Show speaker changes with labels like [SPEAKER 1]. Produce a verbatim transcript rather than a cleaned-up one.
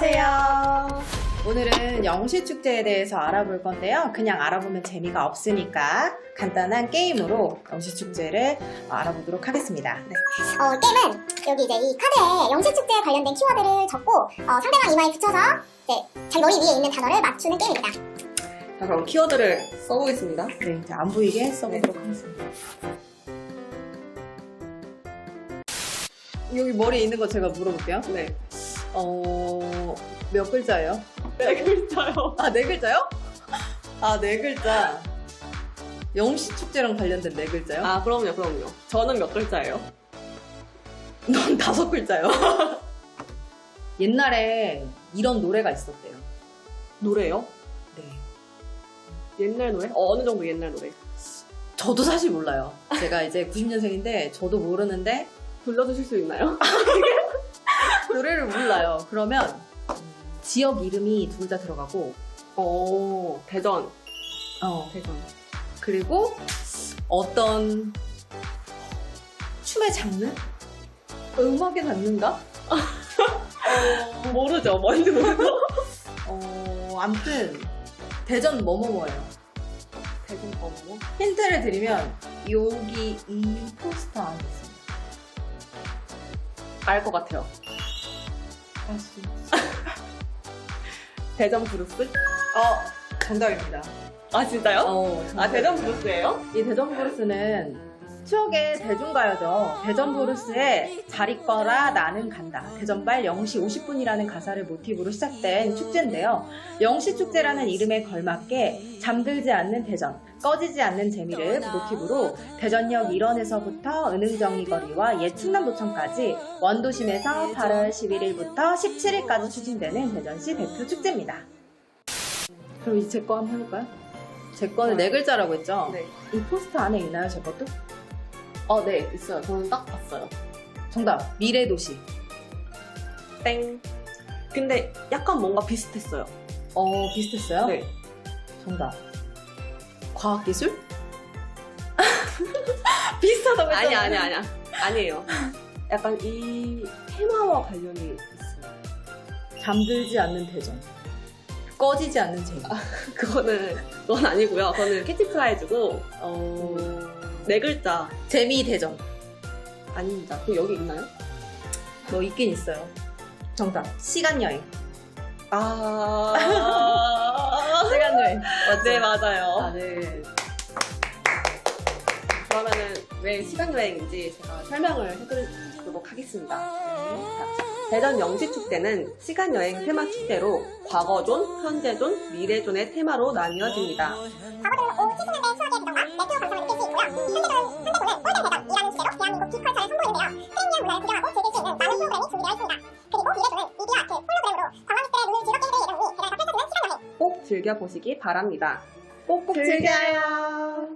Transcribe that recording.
[SPEAKER 1] 안녕하세요. 오늘은 영시축제에 대해서 알아볼 건데요. 그냥 알아보면 재미가 없으니까 간단한 게임으로 영시축제를 알아보도록 하겠습니다. 네.
[SPEAKER 2] 어, 게임은 여기 이제 이 카드에 영시축제에 관련된 키워드를 적고 어, 상대방 이마에 붙여서 이제 자기 머리 위에 있는 단어를 맞추는 게임입니다.
[SPEAKER 3] 자, 그럼 키워드를 써보겠습니다.
[SPEAKER 1] 네, 이제 안 보이게 써보도록 하겠습니다. 여기 머리에 있는 거 제가 물어볼게요.
[SPEAKER 3] 네.
[SPEAKER 1] 어, 몇 글자예요?
[SPEAKER 3] 네 글자요.
[SPEAKER 1] 아, 네 글자요? 아, 네 글자. 영시축제랑 관련된 네 글자요?
[SPEAKER 3] 아, 그럼요, 그럼요. 저는 몇 글자예요?
[SPEAKER 1] 넌 다섯 글자요. 옛날에 이런 노래가 있었대요.
[SPEAKER 3] 노래요?
[SPEAKER 1] 네.
[SPEAKER 3] 옛날 노래? 어, 어느 정도 옛날 노래?
[SPEAKER 1] 저도 사실 몰라요. 제가 이제 구십 년생인데 저도 모르는데
[SPEAKER 3] 불러주실 수 있나요?
[SPEAKER 1] 노래를 몰라요. 그러면 음, 지역 이름이 둘 다 들어가고
[SPEAKER 3] 오, 대전.
[SPEAKER 1] 어,
[SPEAKER 3] 대전.
[SPEAKER 1] 그리고 어떤 춤의 장르? 음악의 장르인가?
[SPEAKER 3] 어, 모르죠. 뭔지 모르죠.
[SPEAKER 1] 어, 아무튼 대전 뭐뭐뭐예요.
[SPEAKER 3] 대전 어머?
[SPEAKER 1] 힌트를 드리면 여기 이 포스터 안에 있습니다.
[SPEAKER 3] 알 것 같아요.
[SPEAKER 1] 알수
[SPEAKER 3] 대전 브루스?
[SPEAKER 1] 어, 정답입니다.
[SPEAKER 3] 아, 진짜요?
[SPEAKER 1] 어,
[SPEAKER 3] 아, 대전 브루스예요?
[SPEAKER 1] 이 대전 브루스는 추억의 대중가요죠. 대전 브루스의 잘 있거라 나는 간다. 대전발 영시 오십 분이라는 가사를 모티브로 시작된 축제인데요. 영시 축제라는 이름에 걸맞게 잠들지 않는 대전, 꺼지지 않는 재미를 모티브로 대전역 일원에서부터 은흥정리 거리와 옛 충남도청까지 원도심에서 팔월 십일일부터 십칠일까지 추진되는 대전시 대표 축제입니다. 그럼 이제 제 거 한번 해볼까요? 제 거는 네 글자라고 했죠?
[SPEAKER 3] 네.
[SPEAKER 1] 이 포스터 안에 있나요, 제 것도?
[SPEAKER 3] 어, 네, 있어요. 저는 딱 봤어요.
[SPEAKER 1] 정답, 미래도시.
[SPEAKER 3] 땡. 근데 약간 뭔가 비슷했어요.
[SPEAKER 1] 어, 비슷했어요?
[SPEAKER 3] 네.
[SPEAKER 1] 정답. 과학기술? 비슷하다고
[SPEAKER 3] 아니,
[SPEAKER 1] 했잖아.
[SPEAKER 3] 아니, 아니야. 아니에요. 약간 이 테마와 관련이 있어요.
[SPEAKER 1] 잠들지 않는 대전. 꺼지지 않는 재미.
[SPEAKER 3] 그거는, 그건 아니고요. 그거는 캐치프라이즈고, 어, 네 글자.
[SPEAKER 1] 재미 대전.
[SPEAKER 3] 아닙니다. 그 여기 있나요?
[SPEAKER 1] 뭐 있긴 있어요. 정답. 시간여행.
[SPEAKER 3] 아.
[SPEAKER 1] 시간여행.
[SPEAKER 3] 네, 맞아요.
[SPEAKER 1] 아, 네.
[SPEAKER 3] 그러면은 왜 시간여행인지 제가 설명을 해드리도록 하겠습니다. 자, 대전 영시축제는 시간여행 테마 축제로 과거존, 현재존, 미래존의 테마로 나뉘어집니다.
[SPEAKER 2] 과거는 오 칠십 년대 추억의 대전과 레트로 감성을 느낄 수 있고요. 현재는 현재도는 골든 대전이라는 주제로 대한민국 빅컬처를 선보이는데요. 트렌디한 문화를 구경하고 즐길 수 있는 많은 프로그램이 준비되어 있습니다. 그리고 미래도는 미디어 아트, 홀로그램으로 관광객들의 눈을 즐겁게 해드릴 예정이니 게다가 펼쳐지는 시간여행.
[SPEAKER 3] 꼭 즐겨보시기 바랍니다. 꼭꼭
[SPEAKER 1] 즐겨요.
[SPEAKER 3] 즐겨요.